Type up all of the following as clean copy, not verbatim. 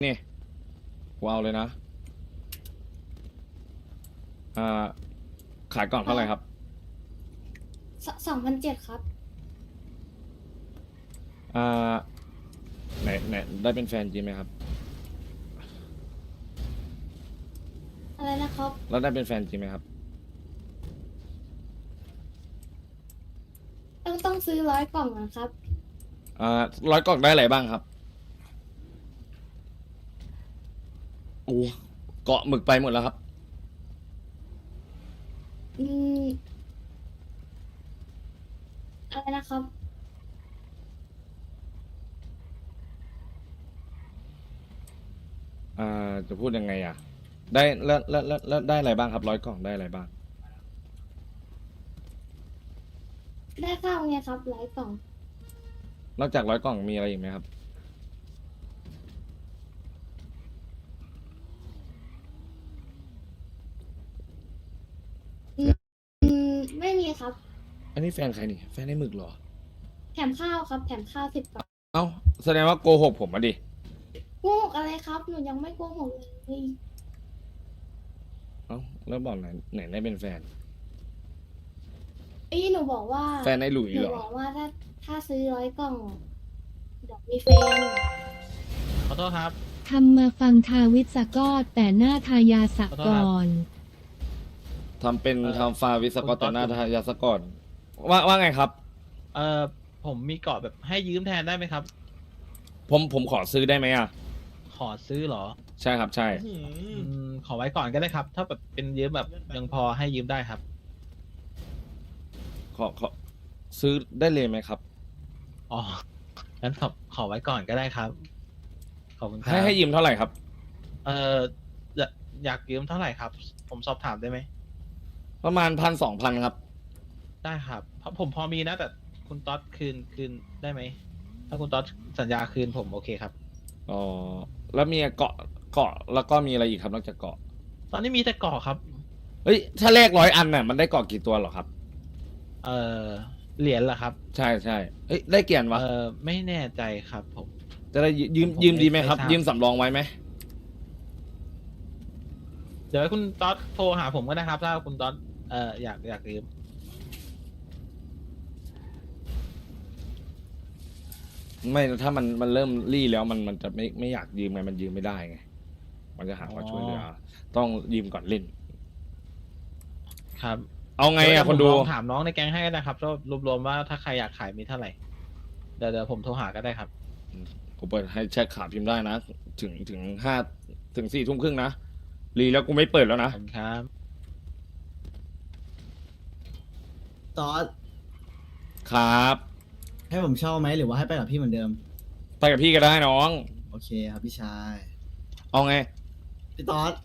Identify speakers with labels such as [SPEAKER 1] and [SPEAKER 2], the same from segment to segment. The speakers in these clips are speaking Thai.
[SPEAKER 1] นี่ว้าวเลยนะอ่าขายกล่องเท่าไหร่ครับ
[SPEAKER 2] 2,700ครับ
[SPEAKER 1] อ่าไหนได้เป็นแฟนจริงไหมครับ
[SPEAKER 2] อะไรนะครับ
[SPEAKER 1] แล้วได้เป็นแฟนจริงไหมครับ
[SPEAKER 2] ต้องซื้อ100 กล่องนะครับ
[SPEAKER 1] อ่า100 กล่องได้อะไรบ้างครับโอ้เกาะหมึกไปหมดแล้วครับ
[SPEAKER 2] อืมอะไรนะครับ
[SPEAKER 1] จะพูดยังไงอ่ะได้แล้วได้อะไรบ้างครับ100 กล่องได้อะไรบ้าง
[SPEAKER 2] ได้ข้าวไงครับ100 กล่อง
[SPEAKER 1] นอกจาก100 กล่องมีอะไรอีกไหมครับ
[SPEAKER 2] อืมไม่มีครับ
[SPEAKER 1] อันนี้แฟนใครนี่แฟนไอ้หมึกเหรอ
[SPEAKER 2] แถมข้าวครับแถมข้าว10 กล่อง
[SPEAKER 1] เอ้าแสดงว่าโกหกผมมาดิ
[SPEAKER 2] โกหกอะไรครับหนูยังไม่โกหกเลย
[SPEAKER 1] เอ้าแล้วบอกไหนได้เป็นแฟน
[SPEAKER 2] หนูบอกว่า
[SPEAKER 1] แฟนไอ้หลุย
[SPEAKER 2] หนู
[SPEAKER 1] เหรอ
[SPEAKER 2] บอกว่าถ้าซื้อ100 กล่องเดี๋ยวมีแฟน
[SPEAKER 3] ขอโทษครับ
[SPEAKER 4] ทำมาฟังทาวิศกรแต่หน้าทายาสะก่อน
[SPEAKER 1] ทำเป็นทำฟาวิศกร
[SPEAKER 3] คุณต๊
[SPEAKER 1] ต่
[SPEAKER 3] อ
[SPEAKER 1] อ
[SPEAKER 3] ด
[SPEAKER 1] หน้าทายาสกรว่าไงครับ
[SPEAKER 3] เอ่อผมมีเกาะแบบให้ยืมแทนได้ไหมครับ
[SPEAKER 1] ผมขอซื้อได้ไหมอ่ะ
[SPEAKER 3] ขอซื้อเหรอ
[SPEAKER 1] ใช่ครับใช่
[SPEAKER 3] ขอไว้ก่อนก็ได้ครับ ถ้าแบบเป็นยืมแบบยังพอให้ยืมได้ครับ
[SPEAKER 1] ขอซื้อได้เลยไหมครับ
[SPEAKER 3] อ๋องั้นขอไว้ก่อนก็ได้ครับ ขอบคุณครั
[SPEAKER 1] ให้ยืมเท่าไหร่ครับ
[SPEAKER 3] เอ่ออยากอยากยืมเท่าไหร่ครับ ผมสอบถามได้ไหม
[SPEAKER 1] ประมาณ1,000 2,000ครับ
[SPEAKER 3] ได้ครับเพราะผมพอมีนะแต่คุณต๊อดคืนได้ไหม ถ้าคุณต๊อดสัญญาคืนผมโอเคครับ
[SPEAKER 1] อ๋อแล้วมีเกาะแล้วก็มีอะไรอีกครับนอกจากเกาะ
[SPEAKER 3] ตอนนี้มีแต่เกาะครับ
[SPEAKER 1] เฮ้ยถ้าแลก100 อันน่ะมันได้เกาะกี่ตัวเหรอครับ
[SPEAKER 3] เอ่อเหรียญเหรอครับ
[SPEAKER 1] ใช่ใช่เฮ้ยได้เกียรติวะ
[SPEAKER 3] ไม่แน่ใจครับผม
[SPEAKER 1] จะได้ยืม
[SPEAKER 3] ผม
[SPEAKER 1] ยืมดีไหมครับ
[SPEAKER 3] ไม่ทราบ
[SPEAKER 1] ยืมสำรองไว้ไหม
[SPEAKER 3] เดี๋ยวให้คุณต๊อดโทรหาผมก็ได้ครับ ถ้าคุณต๊อดอยากยืม
[SPEAKER 1] ไม่ถ้ามันเริ่มรี่แล้วมันจะไม่อยากยืมไงมันยืมไม่ได้ไงมันจะหาว่าช่วยเหลือต้องยืมก่อนเล่น
[SPEAKER 3] ครับ
[SPEAKER 1] เอาไง
[SPEAKER 3] เดี๋
[SPEAKER 1] อ่ะ
[SPEAKER 3] ยว
[SPEAKER 1] คนดู
[SPEAKER 3] ผมลองถามน้องในแก๊งให้ก็ได้ครับรวมๆว่าถ้าใครอยากขายมีเท่าไหร่เดี๋ยวผมโทรหาก็ได้ครับ
[SPEAKER 1] กูเปิดให้แชทขาพิมพ์ได้นะ ถึง4 ทุ่มครึ่งนะรีแล้วกูไม่เปิดแล้ว
[SPEAKER 3] ขอ
[SPEAKER 1] นะ
[SPEAKER 3] บคุณครับ
[SPEAKER 5] ตอส
[SPEAKER 1] ครับ
[SPEAKER 5] ให้ผมเช่าไหมหรือว่าให้ไปกับพี่เหมือนเดิม
[SPEAKER 1] ไปกับพี่ก็ได้น้อง
[SPEAKER 5] โอเคครับพี่ชาย
[SPEAKER 1] เอาไง
[SPEAKER 5] พี่ตอส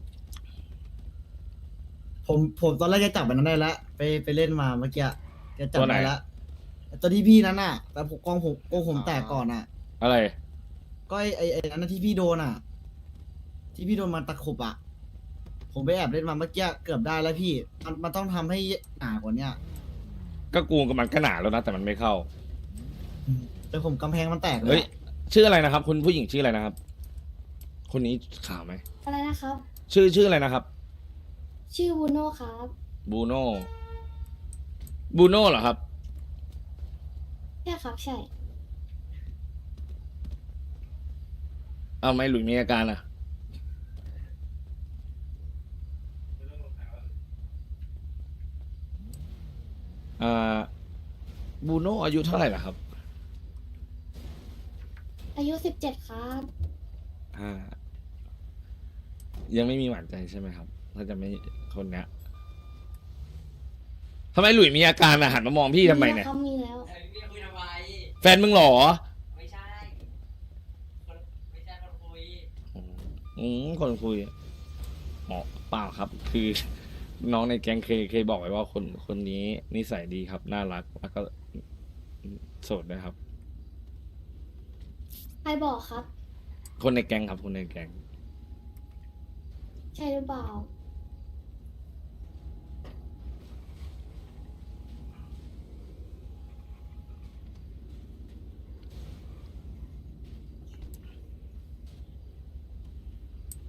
[SPEAKER 5] ผมตอนแรกจะจับมันนั้นได้แล้วไปเล่นมาเมื่อกี้จะจับ
[SPEAKER 1] ตัวไหน
[SPEAKER 5] ได้แล้วตัวที่พี่นั้นน่ะ แต่ผมกองผมแตกก่อนอ่ะ
[SPEAKER 1] อะไร
[SPEAKER 5] ก็ไอ้นั้นนะที่พี่โดนอ่ะ ที่พี่โดนมันตะขบอ่ะ ผมไปแอบเล่นมาเมื่อกี้เกือบได้แล้วพี่มันต้องทำให้หนากว่าเนี้ย
[SPEAKER 1] ก็กูกับมันก็หนาแล้วนะแต่มันไม่เข้า
[SPEAKER 5] แต่ผมกำแพงมันแตกเล
[SPEAKER 1] เฮ้ย
[SPEAKER 5] ยอะ
[SPEAKER 1] ชื่ออะไรนะครับ คุณผู้หญิงชื่ออะไรนะครับ คนนี้ข่าวไหม
[SPEAKER 2] อะไรนะครับ
[SPEAKER 1] ชื่ออะไรนะครับ
[SPEAKER 2] ชื่อบูโน่ครับ
[SPEAKER 1] บูโน่บูโน่เหรอครับ
[SPEAKER 2] ใช่ครับใช่
[SPEAKER 1] เอาไม่หลุยมีอาการอ่ะอ่าบูโน่อายุเท่าไหร่ล่ะครับ
[SPEAKER 2] อายุ17ครับ
[SPEAKER 1] อ่า ยังไม่มีหวานใจใช่ไหมครับ ถ้าจะไม่คนเนี้ยทำไมหลุยมีอาการอ่ะหันมามองพี่ทำไมเนี่ย
[SPEAKER 2] เขามีแล้ว
[SPEAKER 6] พี่คุยทำไม
[SPEAKER 1] แฟนมึงเหรอ
[SPEAKER 6] ไม่ใช่คนไม่ใช่คนคุย
[SPEAKER 1] คนคุยหมอเปล่าครับ คือ น้องในแก๊งเคยบอกไว้ว่าคนนี้นิสัยดีครับ น่ารักแล้วก็โสดด้วยครับ
[SPEAKER 2] ใครบอกครับ
[SPEAKER 1] คนในแก๊งครับ คนในแก๊ง
[SPEAKER 2] ใช่หรือเปล่า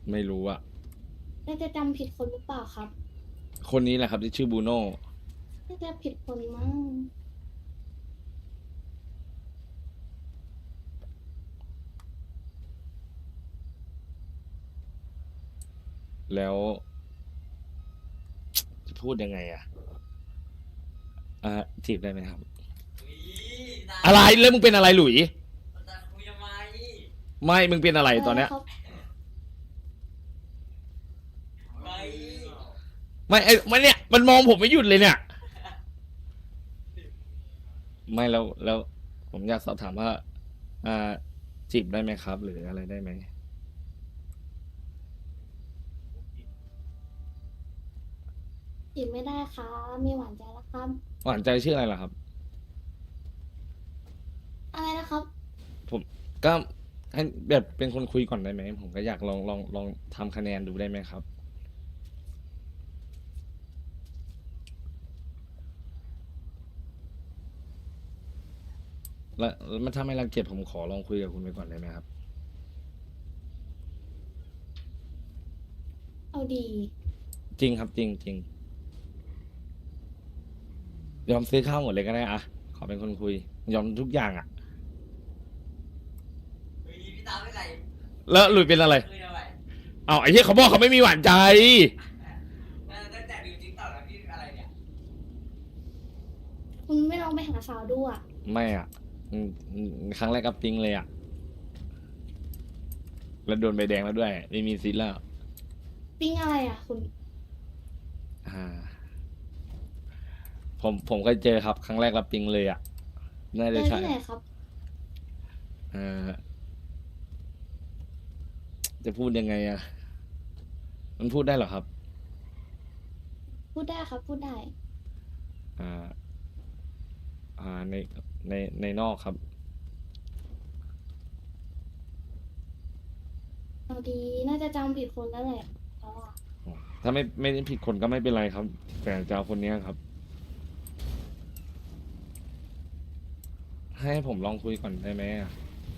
[SPEAKER 1] ไม่รู้อะ
[SPEAKER 2] น่าจะจำผิดคนหรือเปล่าครับ
[SPEAKER 1] คนนี้แหละครับที่ชื่อบูโน่
[SPEAKER 2] น่าจะผิดคนมั้ง
[SPEAKER 1] แล้ว จะพูดยังไงอะจีบได้ไหมครับ
[SPEAKER 6] อุ๊ยตา
[SPEAKER 1] อะไรแล้วมึงเป็นอะไรหลุย
[SPEAKER 6] ตาคุยทำไม
[SPEAKER 1] ไม่มึงเป็นอะไรตอนเนี้ย
[SPEAKER 2] ครับ
[SPEAKER 6] ไป
[SPEAKER 1] ไม่ไม่เนี่ย มันมองผมไม่หยุดเลยเนี่ย ไม่แล้ว ผมอยากสอบถามว่า จีบได้ไหมครับ หรืออะไรได้ไหม
[SPEAKER 2] จีบไม่ได้ครับมีหวานใจแล้วครับ
[SPEAKER 1] หวานใจชื่ออะไรล่ะครับ
[SPEAKER 2] อะไรนะครับ
[SPEAKER 1] ผมก็ให้แบบเป็นคนคุยก่อนได้ไหม ผมก็อยากลองทำคะแนนดูได้ไหมครับ แล้วมันถ้าไม่รังเกียจผมขอลองคุยกับคุณไปก่อนได้ไหมครับ
[SPEAKER 2] เอาดี
[SPEAKER 1] จริงครับจริงจริงยอมซื้อข้าวหมดเลยก็ได้อะขอเป็นคนคุย ยอมทุกอย่างอะ
[SPEAKER 6] อุ๊ยพี่ตาไม่ไหน
[SPEAKER 1] แล้วหลุยเป็นอะไร
[SPEAKER 6] คุยทำไม
[SPEAKER 1] เอาไอ้ที่เขาบอกเขาไม่มีหวานใจ
[SPEAKER 6] ตั้งแต่ดูจริงต่อแล้วพี่อะไรเนี่ย
[SPEAKER 2] คุณไม่ลองไปหาสาวดูอ่ะ
[SPEAKER 1] ไม่อ่ะครั้งแรกกับปิงเลยอ่ะ แล้วโดนใบแดงแล้วด้วย ไม่มีซิทธิ์แล้ว
[SPEAKER 2] ปิ้งอะไรอ่ะ คุณ
[SPEAKER 1] อ่า ผมเคยเจอครับ ครั้งแรกรับปิงเลยอ่ะ น่า
[SPEAKER 2] เจ
[SPEAKER 1] จะ
[SPEAKER 2] อ
[SPEAKER 1] ใช่
[SPEAKER 2] ที่ไหนครับ
[SPEAKER 1] อ่าจะพูดยังไงอ่ะ มันพูดได้เหรอครับ
[SPEAKER 2] พูดได้ครับ พูดได้
[SPEAKER 1] อ่า ในนอกครับ
[SPEAKER 2] เอาดี น่าจะจำผิดคนแล้วแหละเพราะว่า
[SPEAKER 1] ถ้าไม่ได้ผิดคนก็ไม่เป็นไรครับ แต่จะเอาคนเนี้ยครับ ให้ผมลองคุยก่อนได้ไหมอ่ะ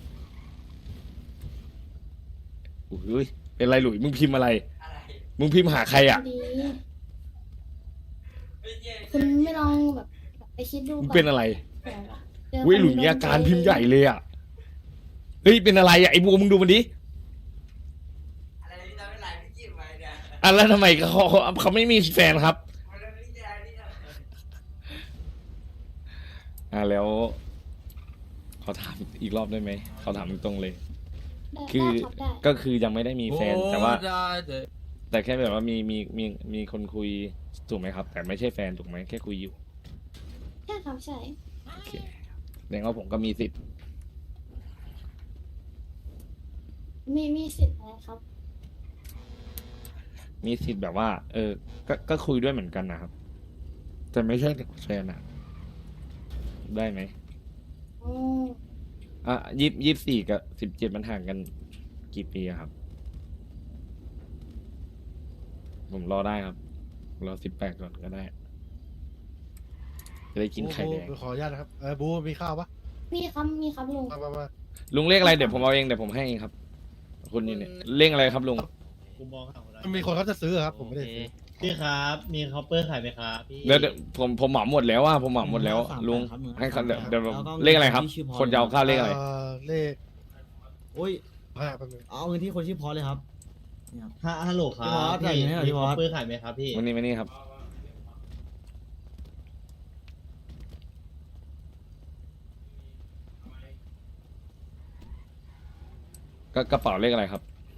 [SPEAKER 1] อุ้ยเป็นไรหลุยมึงพิมพ์อะไร
[SPEAKER 6] อะไร
[SPEAKER 1] มึงพิมพ์หาใครอ่ะ
[SPEAKER 2] เอาดี
[SPEAKER 6] ไม่ใช่
[SPEAKER 2] คุณไม่ลองแบบไปคิดดู
[SPEAKER 1] มึง
[SPEAKER 2] ก่อน
[SPEAKER 1] เป็นอะไร
[SPEAKER 2] เผื่อแบบเจอ
[SPEAKER 1] อุ้ย
[SPEAKER 2] คน
[SPEAKER 1] หลุย
[SPEAKER 2] โด
[SPEAKER 1] มี
[SPEAKER 2] น
[SPEAKER 1] อาการ
[SPEAKER 2] ใจ
[SPEAKER 1] พิมพ์ใหญ่เลยอ่ะ เฮ้ยเป็นอะไรอ่ะไอ้บัวมึงดูมันดิ
[SPEAKER 6] อะไรพี่ตาไม่ไหนพี่จีบไปเนี่ย
[SPEAKER 1] อ่ะแล้วทำไมเขาไม่มีแฟนครับ
[SPEAKER 6] มันไม่ใช่นี่นะ
[SPEAKER 1] แล้ว ขอถามอีกรอบได้ไหมขอถามตรงๆเลย
[SPEAKER 2] ได้
[SPEAKER 1] คือ
[SPEAKER 2] ได้ครับได้
[SPEAKER 1] ก็คือยังไม่ได้มีแฟนแต่ว่า
[SPEAKER 3] ได้เลย
[SPEAKER 1] แต่แค่แบบว่ามีคนคุยถูกไหมครับ แต่ไม่ใช่แฟนถูกไหมแค่คุยอยู่
[SPEAKER 2] ใช่ครับใช่
[SPEAKER 1] โอเคแสดงว่าผมก็มีสิทธิ์
[SPEAKER 2] มีสิทธิ์อะไรครับ
[SPEAKER 1] มีสิทธิ์แบบว่า ก็คุยด้วยเหมือนกันนะครับ แต่ไม่ใช่แฟนอะได้ไหม
[SPEAKER 2] อ๋อ
[SPEAKER 1] 24กับ17มันห่างกันกี่ปีอะครับ ผมรอได้ครับ รอ18ก่อนก็ได้ จะได้กินไข่แดง
[SPEAKER 7] บูขออนุญาตนะครับบูมีข้าวปะ
[SPEAKER 2] มีครับมีครับลุง
[SPEAKER 7] มา
[SPEAKER 1] ลุงเลขอะไรเดี๋ยวผมเอาเองเดี๋ยวผมให้เองครับ คุณนี่เนี่ยเลขอะไรครับลุง
[SPEAKER 8] กูมองหาคนนั้น
[SPEAKER 7] มีคนเขาจะซื้อครับ ผมไม่ได้ซื้อ
[SPEAKER 8] พี่ครับ มีคอปเปอร์ขายไหมครับพี่
[SPEAKER 1] เดี๋ยวผมเหมาหมดแล้วว่าผมเหมาหมดแล้ว ลุงให้เขาเดี๋ยวเลขอะไรครับ คนจะเอาข้าวเลขอะไร
[SPEAKER 7] เลข
[SPEAKER 5] โอ้ย
[SPEAKER 7] แป๊บนึง
[SPEAKER 5] เอาเงินที่คนชื่อพอเลยครับนี่ครับ
[SPEAKER 8] ฮัลโหลครั
[SPEAKER 5] พี่
[SPEAKER 8] บ
[SPEAKER 5] มอสจ่ายเงินให้หน่อย
[SPEAKER 8] มี
[SPEAKER 5] พี่ม
[SPEAKER 8] ค
[SPEAKER 5] อ
[SPEAKER 8] อ
[SPEAKER 5] ส
[SPEAKER 8] ปเปอร์ขายไหมครับพี่
[SPEAKER 1] วันนี้ครับ ก็กระเป๋าเลขอะไรครับ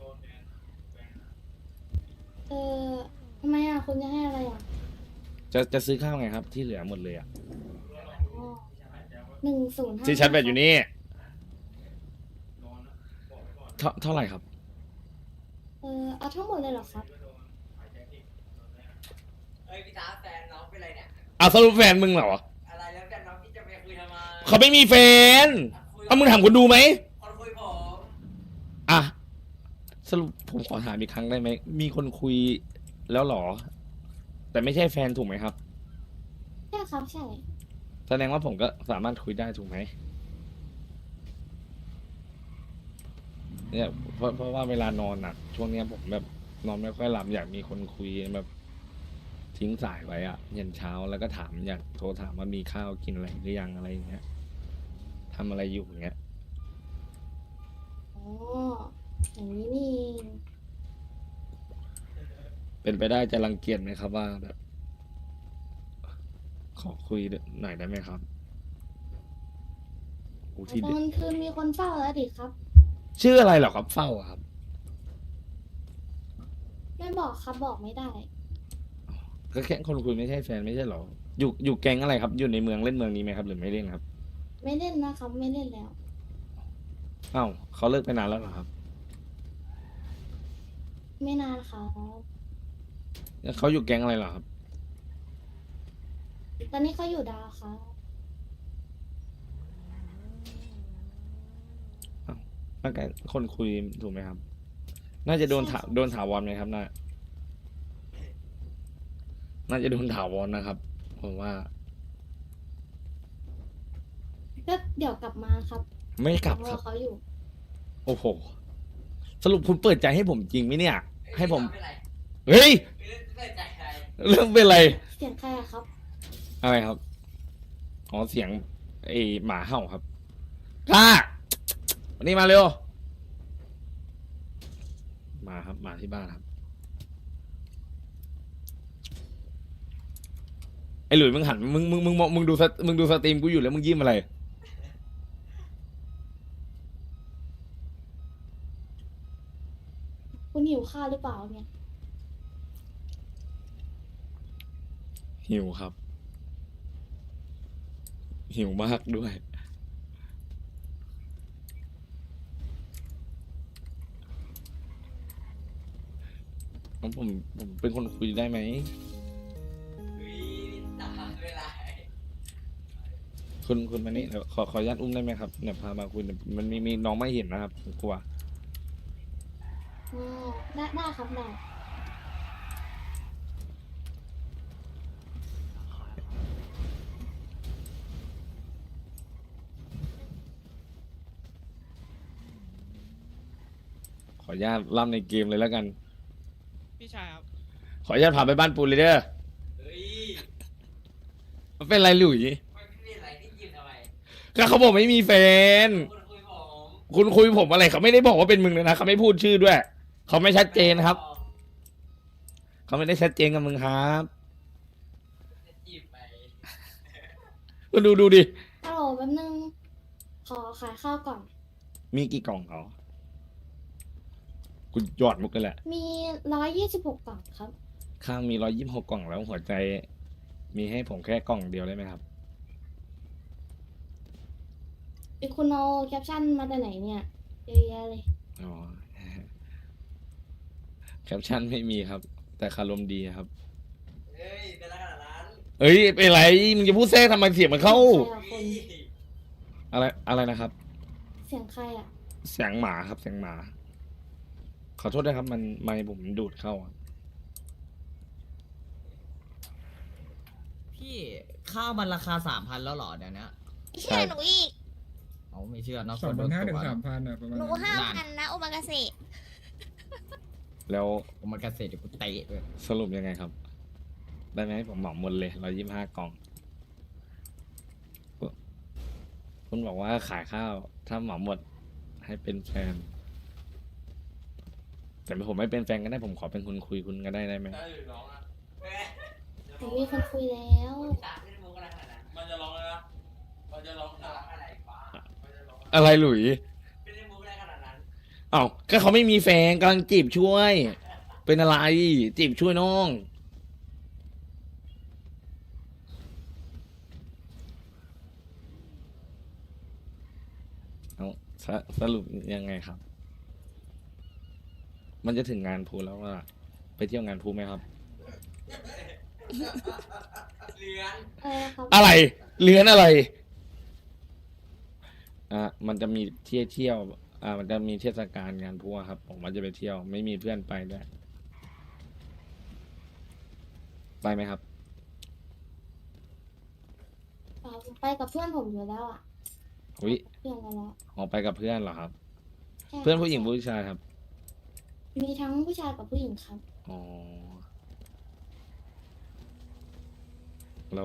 [SPEAKER 2] เออทำไมอ่ะคุณจะให้อะไรอ่ะ
[SPEAKER 1] จะซื้อข้าวไงครับ ที่เหลือหมดเลยอ่ะ
[SPEAKER 2] อ๋อ1055
[SPEAKER 1] ที่ชัดแบตอยู่นี่เท่าไหร่ครับ
[SPEAKER 2] เอาทั้งหมดเลยเหรอครับ
[SPEAKER 6] เอ้ยพี่ตาแฟนน้องเป็นไรเนี่ย
[SPEAKER 1] เอาสรุปแฟนมึงเหรอ
[SPEAKER 6] อะไรแล้วแฟนน้องพี่จะไปคุยทำไม
[SPEAKER 1] เขาไม่มีแฟนเอามึงถามคนดูไหม
[SPEAKER 6] คนคุยผม
[SPEAKER 1] อ่ะสรุปผมขอถามอีกครั้งได้ไหม มีคนคุยแล้วเหรอ แต่ไม่ใช่แฟนถูกไหมครับ
[SPEAKER 2] ใช่ครับใช่
[SPEAKER 1] แสดงว่าผมก็สามารถคุยได้ถูกไหมเนี่ยเพราะว่าเวลานอนอ่ะ ช่วงเนี้ยผมแบบนอนไม่ค่อยหลับอยากมีคนคุยแบบทิ้งสายไว้อ่ะยันเช้าแล้วก็ถามอยากโทรถามว่ามีข้าวกินอะไรหรือยังอะไรอย่างเงี้ยทำอะไรอยู่อย่างเงี้ย
[SPEAKER 2] อ๋ออย่างนี้นี่เอง
[SPEAKER 1] เป็นไปได้จะรังเกียจไหมครับว่าแบบ ขอคุยหน่อยได้ไหมครับอู้
[SPEAKER 2] ต
[SPEAKER 1] ที่
[SPEAKER 2] อ
[SPEAKER 1] เด็ด
[SPEAKER 2] นคืนมีคนเฝ้าแล้วดิครับ
[SPEAKER 1] ชื่ออะไรเหรอครับเฝ้าอะครับ
[SPEAKER 2] ไม่บอกครับบอกไม่ได้
[SPEAKER 1] ก็แค่คนคุยไม่ใช่แฟนไม่ใช่เหรออยู่แก๊งอะไรครับ อยู่ในเมืองเล่นเมืองนี้ไหมครับ หรือไม่เล่นครับ
[SPEAKER 2] ไม่เล่นนะครับ ไม่เล่นแล้ว
[SPEAKER 1] อ้าวเขาเลิกไปนานแล้วเหรอครับ
[SPEAKER 2] ไม่นานครับ
[SPEAKER 1] แล้วเขาอยู่แก๊งอะไรเหรอครับ
[SPEAKER 2] ตอนนี้เขาอยู่ดาวครับ
[SPEAKER 1] น่าจะคนคุยถูกไหมครับ น่าจะโดนโดนถาวรไหมครับน่าจะโดนถาวรนะครับผมว่า
[SPEAKER 2] ก็เดี๋ยวกลับมาครับ
[SPEAKER 1] ไม่กลับ
[SPEAKER 2] ร
[SPEAKER 1] ค
[SPEAKER 2] อ
[SPEAKER 1] รับ
[SPEAKER 2] เขาอยู่
[SPEAKER 1] โอ้โห สรุปคุณเปิดใจให้ผมจริงไหมเนี่ย ให้ผม
[SPEAKER 6] ไม่เป็นไร
[SPEAKER 1] เฮ้ย
[SPEAKER 6] ไม่ได้ใจใคร
[SPEAKER 1] เรื่องเป็นอะไร
[SPEAKER 2] เสียงใครอะครับ
[SPEAKER 1] อะไรครับ อ๋อเสียงไอหมาเห่าครับก้าวันนี้มาเร็ว มาครับ มาที่บ้านครับ ไอหลุยมึงหันมึงดูสตรีมกูอยู่แล้วมึงยิ้มอะไร
[SPEAKER 2] คุณหิวข้าวหรือเปล่าเนี่ย
[SPEAKER 1] หิวครับ หิวมากด้วย ผมเป็นคนคุยได้ไหม
[SPEAKER 6] เฮ้ยตามเวลา
[SPEAKER 1] คุณมานี่เดี๋ยวขออนุญาตอุ้มได้ไหมครับเนี่ยพามาคุยเดี๋ยวมันมีน้องไม่เห็นนะครับผมกลัว
[SPEAKER 2] อ๋อ ได้ครับได้
[SPEAKER 1] ขออนุญาตล่ำในเกมเลยแล้วกัน
[SPEAKER 3] พี่ชายครับ
[SPEAKER 1] ขออนุญาตพาไปบ้านปูนเลยเด้อ
[SPEAKER 6] เฮ้ย
[SPEAKER 1] มันเป็นไรหลุย
[SPEAKER 6] ไม่มีอะไรที่หยิบทำไม
[SPEAKER 1] ก็เขาบอกไม่มีแฟน
[SPEAKER 6] คุณคุยผม
[SPEAKER 1] คุณคุยผมอะไรเขาไม่ได้บอกว่าเป็นมึงเลยนะเขาไม่พูดชื่อด้วย เขาไม่ชัดเจนครับ เขาไม่ได้ชัดเจนกับมึงครับ
[SPEAKER 6] จะจีบไป
[SPEAKER 1] คุณดูดิ
[SPEAKER 2] ฮัลโหลแป๊บนึง ขอขายข้าวก่อน
[SPEAKER 1] มีกี่กล่องเขากูหยอดมุกกันแหละ
[SPEAKER 2] มี126กล่องครับ
[SPEAKER 1] ข้างมี126กล่องแล้วหัวใจ มีให้ผมแค่กล่องเดียวได้ไหมครับ
[SPEAKER 2] คุณเอาแคปชั่นมาแต่ไหนเนี่ยเยอะแยะเลย
[SPEAKER 1] อ๋อ แคปชั่นไม่มีครับ แต่คารมดีครับ
[SPEAKER 6] เฮ้ยเป็นอะไรขนาดนั้น
[SPEAKER 1] เอ้ยเป็นไรมึงจะพูดแทรกทำไมเสียงมันเข้า
[SPEAKER 2] ใครอะคุณ
[SPEAKER 1] อะไรนะครับ
[SPEAKER 2] เสียงใครอะ
[SPEAKER 1] เสียงหมาครับเสียงหมา ขอโทษด้วยครับมันไมค์ผมดูดเข้าอะ
[SPEAKER 9] พี่ข้าวมันราคา3,000แล้วเหรอเดี๋ยวนี้
[SPEAKER 10] เชื่อหนูอีก
[SPEAKER 9] เอาไม่เชื่อเนาะ
[SPEAKER 7] 2,500 ถึง 3,000อ่ะประมาณ
[SPEAKER 10] หนู
[SPEAKER 7] นั้น
[SPEAKER 10] 5,000นะโอมากาเสะ
[SPEAKER 1] แล้ว
[SPEAKER 9] ผมมันเกษตรเดี๋ยวกูเตะด้วย
[SPEAKER 1] สรุปยังไงครับ ได้ไหมผมเหมาหมดเลย125กล่อง คุณบอกว่าขายข้าว ถ้าเหมาหมดให้เป็นแฟน แต่ผมไม่เป็นแฟนก็ได้ผมขอเป็นคนคุยคุณก็ได้ไหม
[SPEAKER 6] ได้หรือร้องอ่ะเฮ้ย
[SPEAKER 2] ผมมีคนคุยแล้ว
[SPEAKER 6] ตามไม่ได้มุกอะไรขนาดนั้นมันจะร้องเลยนะมันจะร้องอะไรบ้ามันจะร้อง
[SPEAKER 1] อะไรหลุย
[SPEAKER 6] ไม่ได้มุกอะไรขนาดนั้น
[SPEAKER 1] เอ้าก็เขาไม่มีแฟนกำลังจีบช่วย เป็นอะไรจีบช่วยน้องเอาสรุปยังไงครับ มันจะถึงงานพูแล้วว่า ไปเที่ยวงานพูไหมครับ
[SPEAKER 6] เลือน
[SPEAKER 1] อะไรเลื้อนอะไร มันจะมีเที่ยว มันจะมีเทศกาลงานพูอะครับ ผมว่าจะไปเที่ยว ไม่มีเพื่อนไปด้วย ไปไหมครับ
[SPEAKER 2] ไปกับเพื่อนผมอยู่แล้วอ่ะ
[SPEAKER 1] อุ้ย
[SPEAKER 2] เพื่อนกันแล้ว
[SPEAKER 1] ออกไปกับเพื่อนเหรอครับ
[SPEAKER 2] ใช่
[SPEAKER 1] เพื่อนผู้หญิงผู้ชายครับ
[SPEAKER 2] มีทั้งผู้ชายกับผู้หญิงครับ
[SPEAKER 1] อ๋อ แล้ว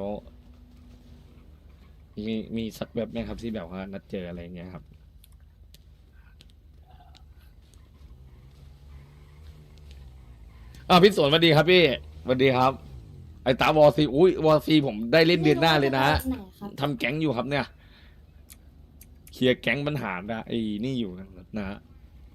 [SPEAKER 1] มีสักแบบไหมครับที่แบบว่านัดเจออะไรเงี้ยครับ พี่สวนสวัสดีครับพี่สวัสดีครับ ไอ้ตาวอซีอุ้ยวอซีผมได้เล่นเดือนหน้าเลยนะ
[SPEAKER 2] ไม่รู้ว่าจไปไหนครับ
[SPEAKER 1] ทำแก๊งอยู่ครับเนี่ย เคลียร์แก๊งปัญหาไอ้นี่อยู่นะฮะ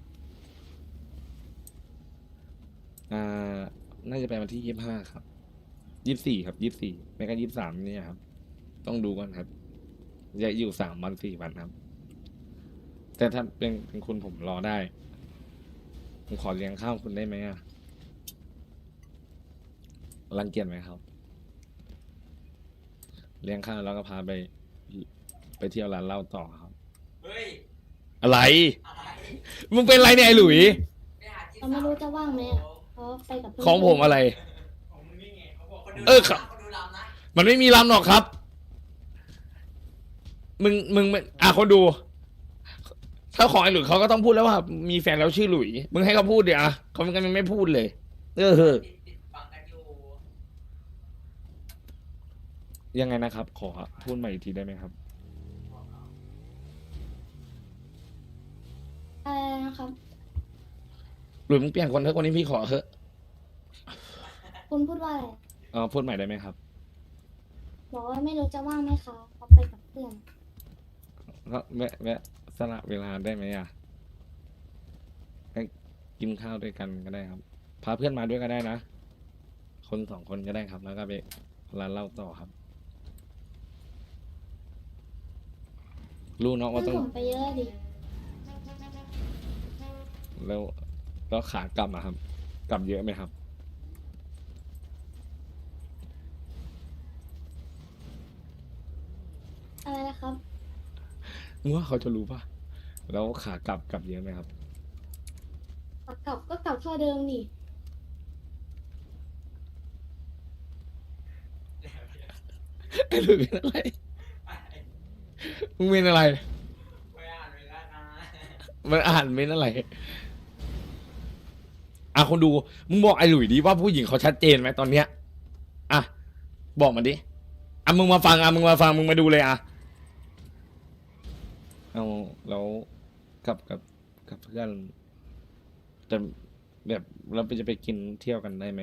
[SPEAKER 1] น่าจะไปวันที่25ครับ24ครับ24ไม่ก็23เนี่ยครับ ต้องดูก่อนครับจะอยู่3 วัน 4 วันครับ แต่ถ้าเป็นคุณผมรอได้ ผมขอเลี้ยงข้าวคุณได้ไหมอะรังเกียจไหมครับ เลี้ยงข้าวแล้วก็พาไปเที่ยวร้านเหล้าต่อครับ
[SPEAKER 6] เฮ้ย
[SPEAKER 1] อะไร
[SPEAKER 6] อะไร
[SPEAKER 1] มึงเป็นไรเนี่ยไอ้หลุย
[SPEAKER 6] ไปหาที่
[SPEAKER 2] เราไม่รู้จะว่างไหมอะเพราะไปกับเพื่น
[SPEAKER 1] ของผมอะไร
[SPEAKER 6] ของมึงนี่ไงเขาบอกคนดู
[SPEAKER 1] ครับ
[SPEAKER 6] คนดูรำนะ
[SPEAKER 1] มันไม่มีลำหรอกครับ มึงคนดู ถ้าของไอ้หลุยเขาก็ต้องพูดแล้วว่า มีแฟนแล้วชื่อหลุย มึงให้เขาพูดเดี๋ยวอะเขามันไม่พูดเลย
[SPEAKER 6] ติดฟังกันอยู่
[SPEAKER 1] ยังไงนะครับ ขอพูดใหม่อีกทีได้ไหมครับ
[SPEAKER 2] อะไรนะครับ
[SPEAKER 1] หลุยมึงเปลี่ยนคนเถอะคนนี้พี่ขอเถอะ
[SPEAKER 2] คุณพูดว่าอะไร
[SPEAKER 1] พูดใหม่ได้ไหมครับ
[SPEAKER 2] บอกว่าไม่รู้จะว่างไหมคะเขาไปกับเพื่อน
[SPEAKER 1] ก็แวะสละเวลาได้ไหมอ่ะให้กินข้าวด้วยกันก็ได้ครับ พาเพื่อนมาด้วยก็ได้นะ คน2 คนก็ได้ครับ แล้วก็ไปร้านเหล้าต่อครับ รู้เนาะ
[SPEAKER 2] เพื่อ
[SPEAKER 1] ว่าน ต้อง
[SPEAKER 2] ผมไปเยอะดิ
[SPEAKER 1] แล้วขากลับอะครับ กลับเยอะไหมครับ
[SPEAKER 2] อะไรนะครับ
[SPEAKER 1] มึงว่าเขาจะรู้ป่ะ แล้วขากลับเยอะไหมครับ
[SPEAKER 2] กลับก็กลับเท่าเดิมนี่
[SPEAKER 1] ไอ้หลุยเป็นอะไร มึงเป็นอะไร
[SPEAKER 6] ไปอ่านเวลานะ
[SPEAKER 1] มันอ่านเม้นอะไร คนดู มึงบอกไอ้หลุยดิว่าผู้หญิงเขาชัดเจนไหมตอนเนี้ย บอกมาดิ มึงมาฟัง มึงมาดูเลยแล้วกับเพื่อนจะแบบเราจะไปกินเที่ยวกันได้ไหม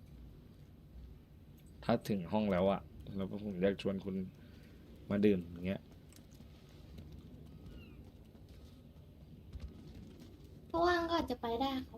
[SPEAKER 1] ถ้าถึงห้องแล้วแล้วผมอยากชวนคุณมาดื่มอย่างเงี้ย
[SPEAKER 2] เพราะว่างก็อาจจะไปได้ครับ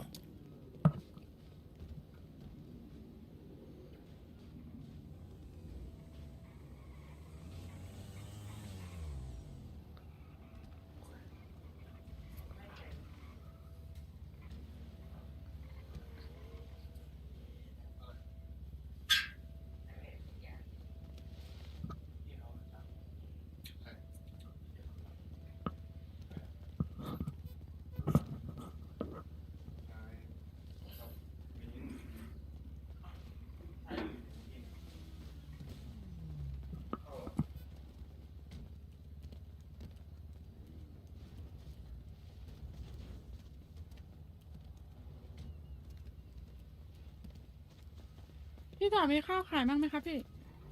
[SPEAKER 11] พี่ต่อมีข้าวขายบ้างไหมครับพี่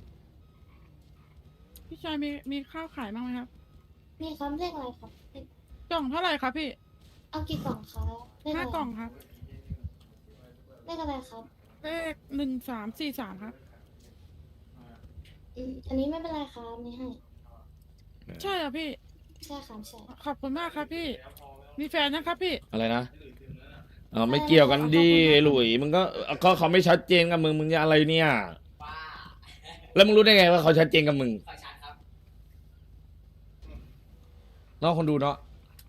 [SPEAKER 11] พี่ชายมีข้าวขายบ้างไหมครับ
[SPEAKER 2] มีคำเลขอะไรครับเลข
[SPEAKER 11] กล่องเท่าไหร่ครับพี่
[SPEAKER 2] เอากี่กล่องคะเลขอะไร
[SPEAKER 11] 5 กล่องครับ
[SPEAKER 2] เลขอะไรครับ
[SPEAKER 11] เลข1343ครับ
[SPEAKER 2] อันนี้ไม่เป็นไรครับนี่ให้
[SPEAKER 11] ใช่เหรอพี่
[SPEAKER 2] ใช่ครับใช่
[SPEAKER 11] ขอบคุณมากครับพี่ มีแฟนนะครับพี่
[SPEAKER 1] อะไรนะไม่เกี่ยวกันดิหลุย มึงก็เขาไม่ชัดเจนกับมึงจะอะไรเนี่ย
[SPEAKER 6] ป้า
[SPEAKER 1] แล้วมึงรู้ได้ไงว่าเขาชัดเจนกับมึง
[SPEAKER 6] ขอชัดครับ
[SPEAKER 1] เนาะคนดูเนาะ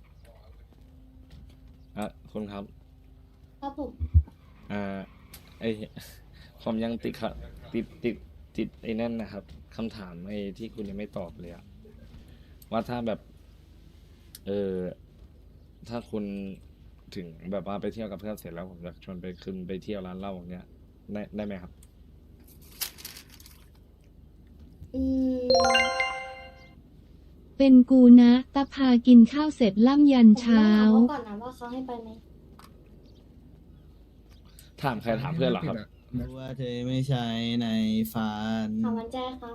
[SPEAKER 1] คนครับ
[SPEAKER 2] ครับผม
[SPEAKER 1] ไอผมยังติดครับติดไอ้นั่นนะครับคำถามไอ้ที่คุณยังไม่ตอบเลยว่าถ้าแบบ ถ้าคุณถึงแบบว่าไปเที่ยวกับเพื่อนเสร็จแล้วผมจะชวนไปเที่ยวร้านเหล้าอย่างเงี้ยได้ไหมครับ
[SPEAKER 2] อืม
[SPEAKER 4] เป็นกูนะตะพากินข้าวเสร็จล่ำยัน
[SPEAKER 2] ผมต้อ
[SPEAKER 4] เช้า
[SPEAKER 2] งถามเขาก่อนนะว่าเขาให้ไปไหม
[SPEAKER 1] ถามใครถามเพื่อนเหรอครับ
[SPEAKER 5] รู้ว่าเธอไม่ใช่ในฝัน
[SPEAKER 2] ถามวันแจ้ครับ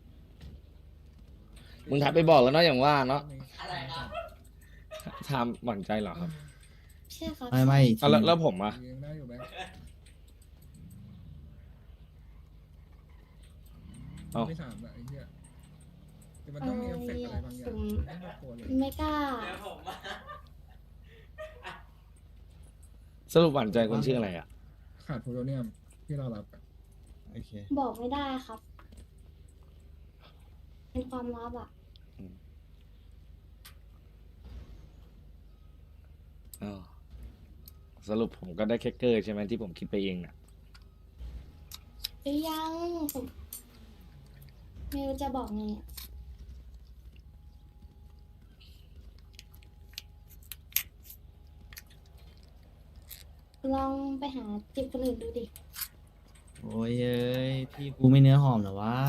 [SPEAKER 1] มึงทักไปบอกแล้วเนาะอย่างว่าเนาะ
[SPEAKER 6] อะไรครับ
[SPEAKER 1] ถามหวั่นใจเหรอครับ
[SPEAKER 2] ใช่ครับ
[SPEAKER 5] ไม่
[SPEAKER 1] อ่ะแล้วผมอ่ะ
[SPEAKER 7] ยังได้อยู่ไหม
[SPEAKER 1] เอ้า
[SPEAKER 7] ไม่ถามอะไอ้เหี้ยแต่มันต้องมีเอฟเฟกต์อะไรบางอย่าง
[SPEAKER 2] ผม
[SPEAKER 7] ไม่น่ากลัวเลย
[SPEAKER 2] ไม่กล้า
[SPEAKER 6] เดี๋ยวผมมา
[SPEAKER 1] สรุปหวั่นใจคนชื่ออะไรอ่ะ
[SPEAKER 7] ขาดโพโลเนียมที่เรารับอะ
[SPEAKER 5] โอเค
[SPEAKER 2] บอกไม่ได้ครับ เป็นความลับอ่ะ
[SPEAKER 1] อ้าวสรุปผมก็ได้แค่เกอร์ใช่ไหมที่ผมคิดไปเองน่ะ
[SPEAKER 2] หรือยังผมไม่รู้จะบอกไงอะลองไปหาจีบคนอื่นดูดิ
[SPEAKER 5] โอ้ยเอ้ยพี่กูไม่เนื้อหอมเหรอวะ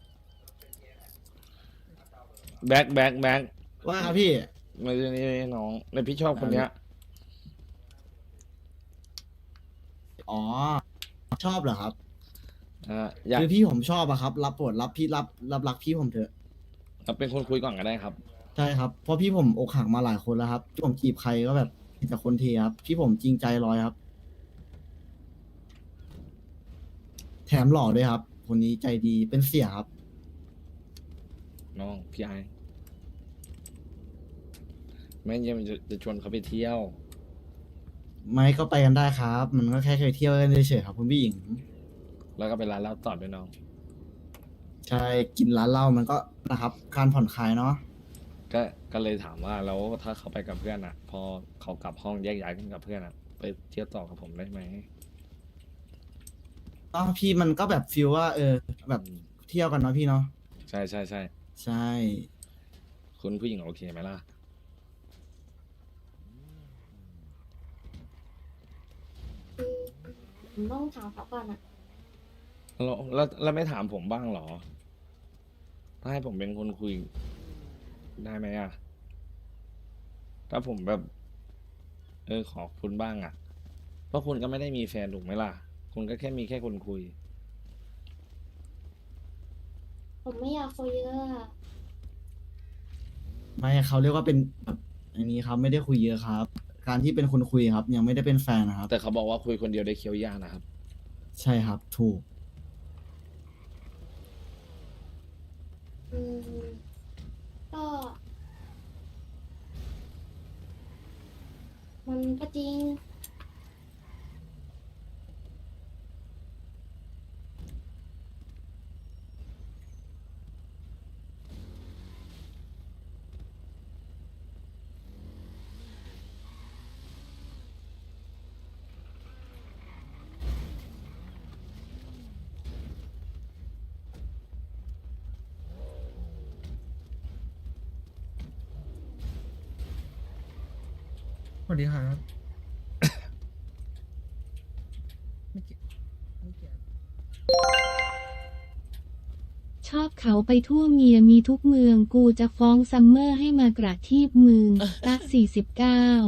[SPEAKER 1] แบ็ค
[SPEAKER 5] ว่าครับพี่
[SPEAKER 1] ไม่ใช่นี่น้องในพี่ชอบคนเนี้ย
[SPEAKER 5] อ๋อ ชอบเหรอครับ
[SPEAKER 1] อยาก
[SPEAKER 5] คือพี่ผมชอบอะครับ รับโปรดรับพี่รับรักพี่ผมเถอะ
[SPEAKER 1] เป็นคนคุยก่อนก็ได้ครับ
[SPEAKER 5] ใช่ครับ เพราะพี่ผมอกหักมาหลายคนแล้วครับที่ผมจีบใครก็แบบมีแต่คนเทครับ พี่ผมจริงใจร้อยครับ แถมหล่อด้วยครับ คนนี้ใจดีเป็นเสียครับ
[SPEAKER 1] น้องพี่ไอแม่งยังจะชวนเขาไปเที่ยว
[SPEAKER 5] ไม่ก็ไปกันได้ครับ มันก็แค่เคยเที่ยวกันเฉยๆครับคุณผู้หญิง
[SPEAKER 1] แล้วก็ไปร้านเหล้าต่อด้วยน้อง
[SPEAKER 5] ใช่กินร้านเหล้ามันก็นะครับ การผ่อนคลายเนาะ
[SPEAKER 1] ก็เลยถามว่าแล้วถ้าเขาไปกับเพื่อนอ่ะ พอเขากลับห้องแยกย้ายกันกับเพื่อนอ่ะ ไปเที่ยวต่อกับผมได้ไหม
[SPEAKER 5] ก็พี่มันก็แบบฟีลว่า แบบเที่ยวกันเนาะพี่เนาะ
[SPEAKER 1] ใช่
[SPEAKER 5] ใช่
[SPEAKER 1] คุณผู้หญิงโอเคไหมล่ะ
[SPEAKER 2] ผมต้องถามเขาก่อนอ่ะ
[SPEAKER 1] แล้วไม่ถามผมบ้างเหรอ ถ้าให้ผมเป็นคนคุย ได้ไหมอ่ะ ถ้าผมแบบ ขอคุณบ้างอ่ะ เพราะคุณก็ไม่ได้มีแฟนถูกไหมล่ะ คุณก็แค่มีแค่คนคุย
[SPEAKER 2] ผมไม่อยากคุยเยอะอะ
[SPEAKER 5] ไม่เขาเรียกว่าเป็นแบบอันนี้ครับไม่ได้คุยเยอะครับ การที่เป็นคนคุยครับ ยังไม่ได้เป็นแฟนนะครับ
[SPEAKER 1] แต่เขาบอกว่าคุยคนเดียวได้เคี้ยวยากนะครับ
[SPEAKER 5] ใช่ครับ ถูก
[SPEAKER 2] อืมก็ มันก็จริง
[SPEAKER 7] สวัสดีครับ ไม่เกี่ยวไม่เกี่ยว
[SPEAKER 4] ชอบเขาไปทั่วเมียมีทุกเมืองกูจะฟ้องซัมเมอร์ให้มากระทีบมึงตัก49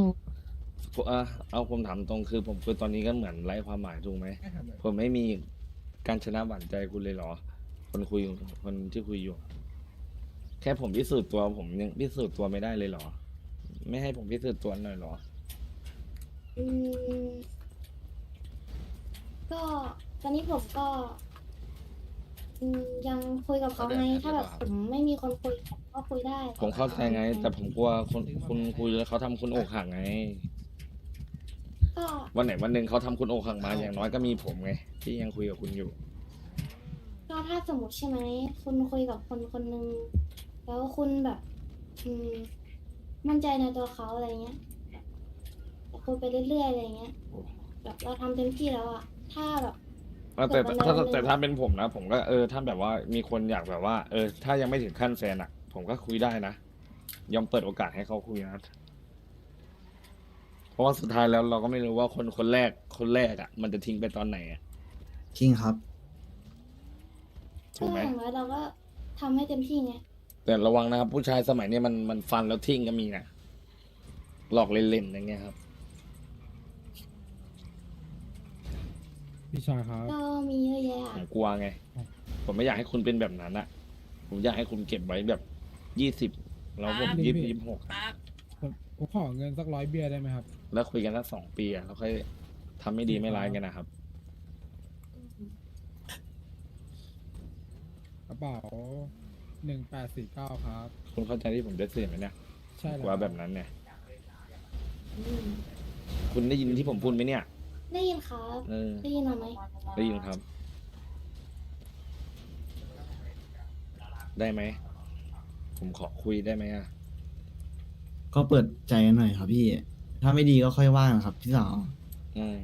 [SPEAKER 1] เอาผมถามตรงคือผมคือตอนนี้ก็เหมือนไร้ความหมายถูกไหม
[SPEAKER 7] ไม่ทำเลย
[SPEAKER 1] ผมไม่มีการชนะหวั่นใจคุณเลยเหรอ คนคุยคนที่คุยอยู่ แค่ผมพิสูจน์ตัวผมยังพิสูจน์ตัวไม่ได้เลยเหรอ ไม่ให้ผมพิสูจน์ตัวหน่อยเหรอ
[SPEAKER 2] อืม ก็ตอนนี้ผมก็ ยังคุยกับเขาไง ถ้าแบบผมไม่มีคนคุยผมก็คุยได้
[SPEAKER 1] ผมเข้าใจไง แต่ผมกลัวคุณคุยแล้วเขาทำคุณอกหักไง
[SPEAKER 2] ก็
[SPEAKER 1] วันไหนวันหนึ่งเขาทำคุณอกหักมาอย่างน้อยก็มีผมไง ที่ยังคุยกับคุณอยู่
[SPEAKER 2] ก็ถ้าสมมติใช่ไหม คุณคุยกับคนคนหนึ่งแล้วคุณแบบ มั่นใจในตัวเขาอะไรเงี้ยแบบคุยไปเรื่อยๆอะไรเงี้ย แบบเราทำเต็มที่แล้วอะถ้าแบบ
[SPEAKER 1] แต่ถ้าเป็นผมนะ ผมก็ถ้าแบบว่ามีคนอยากแบบว่า ถ้ายังไม่ถึงขั้นแฟนอ่ะ ผมก็คุยได้นะ ยอมเปิดโอกาสให้เขาคุยนะ เพราะว่าสุดท้ายแล้วเราก็ไม่รู้ว่าคนแรกอ่ะ มันจะทิ้งไปตอนไหนอ่ะ
[SPEAKER 5] จริงครับ
[SPEAKER 1] ถูกไหม
[SPEAKER 2] อย่างน้อยเราก็ทำให้เต็มที่ไง
[SPEAKER 1] แต่ระวังนะครับ ผู้ชายสมัยนี้มันฟันแล้วทิ้งก็มีนะหลอกเล่นๆอย่างเงี้ยครับ
[SPEAKER 7] พี่ชายครับ
[SPEAKER 2] ก็มีเยอะแยะ
[SPEAKER 1] ผ
[SPEAKER 2] อะ
[SPEAKER 1] มกลัวไง ผมไม่อยากให้คุณเป็นแบบนั้นอะผมอยากให้คุณเก็บไว้แบบ20แล้วผม
[SPEAKER 7] ครับ
[SPEAKER 1] 26
[SPEAKER 7] ผมขอเงินสัก100 เบียร์ได้ไหมครับ
[SPEAKER 1] แล้วคุยกันสัก2 ปีอะแล้วค่อยทำไม่ดีไม่ร้ายกันนะครับ
[SPEAKER 7] กระเป๋า1849ครับ
[SPEAKER 1] คุณเข้าใจที่ผมจะสื่อไหมเนี่ย
[SPEAKER 7] ใช่แล้ว
[SPEAKER 1] กลัวแบบนั้นเนี่ย
[SPEAKER 2] อืม
[SPEAKER 1] คุณได้ยินที่ผมพูดไหมเนี่ย
[SPEAKER 2] ได้ยินครับ
[SPEAKER 1] เออ
[SPEAKER 2] ได้ยินเราไหม
[SPEAKER 1] ได้ยินครับ ได้ไหม ผมขอคุยได้ไหมอะ
[SPEAKER 5] ก็เปิดใจกันหน่อยครับพี่ ถ้าไม่ดีก็ค่อยว่ากันครับพี่สาว
[SPEAKER 1] อืม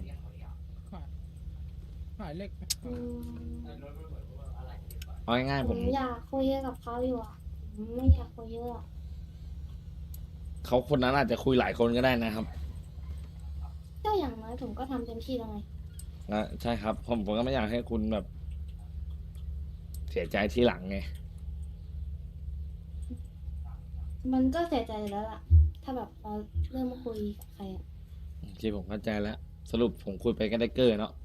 [SPEAKER 7] ขายเหล็กไหมค
[SPEAKER 2] อื
[SPEAKER 7] รับ
[SPEAKER 2] ม
[SPEAKER 1] เอาง่ายๆ
[SPEAKER 2] ผ
[SPEAKER 1] ผม
[SPEAKER 2] มอยากคุยกับเขาอยู่อ่ะผมไม่อยากคุยเยอะอะ
[SPEAKER 1] เขาคนนั้นอาจจะคุยหลายคนก็ได้นะครับ
[SPEAKER 2] ก็อย่างน้อยผมก็ทำเต็มที่แล้วไง
[SPEAKER 1] ใช่ครับ ผมก็ไม่อยากให้คุณแบบ เสียใจทีหลังไง
[SPEAKER 2] มันก็เสียใจอยู่แล้วล่ะ ถ้าแบบเราเริ่มมาคุยกับใครอ่ะ
[SPEAKER 1] ที่ผมเข้าใจแล้ว สรุปผมคุยไปก็ได้เกอร์เนาะ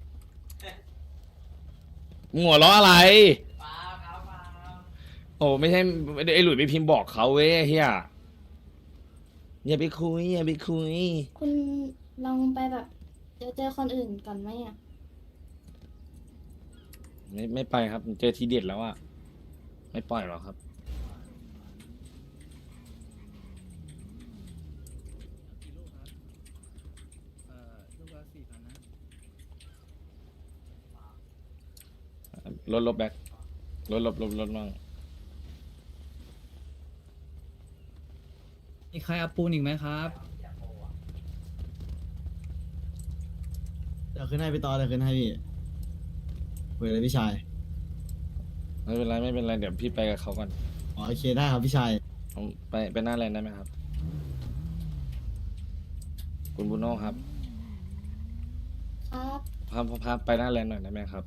[SPEAKER 1] มึงหัวเราะอะไร
[SPEAKER 6] ป้าครับป้า
[SPEAKER 1] โอ้ไม่ใช่ไอ้หลุยไปพิมพ์บอกเขาเว้ยเฮียอย่าไปคุยอย่าไปคุย
[SPEAKER 2] คุณลองไปแบบเจอคนอื่นก่อนไหมอ่ะ
[SPEAKER 1] ไม่ไปครับผมเจอทีเด็ดแล้วอะไม่ปล่อยหรอกครับ ลบแบ็คลดมั่ง
[SPEAKER 9] มีใครเอาปูนอีกไหมครับ
[SPEAKER 5] เดี๋ยวขึ้นให้พี่ตอเดี๋ยวขึ้นให้พี่คุยเลยพี่ชาย
[SPEAKER 1] ไม่เป็นไรไม่เป็นไรเดี๋ยวพี่ไปกับเขาก่อน
[SPEAKER 5] อ๋อโอเคได้ครับพี่ชาย
[SPEAKER 1] ผมไปหน้าแลนด์ได้ไหมครับ คุณบูโน่ครับ
[SPEAKER 2] ครับ
[SPEAKER 1] พาไปหน้าแลนด์หน่อยได้ไหมครับ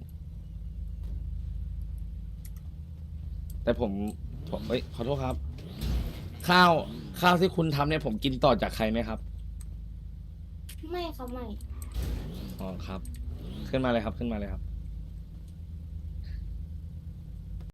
[SPEAKER 1] แต่ผมเอ้ยขอโทษครับ ข้าวที่คุณทำเนี่ยผมกินต่อจากใครไหมครับ
[SPEAKER 2] ไม่ครับไม่
[SPEAKER 1] อ๋อครับ ขึ้นมาเลยครับขึ้นมาเลยครับ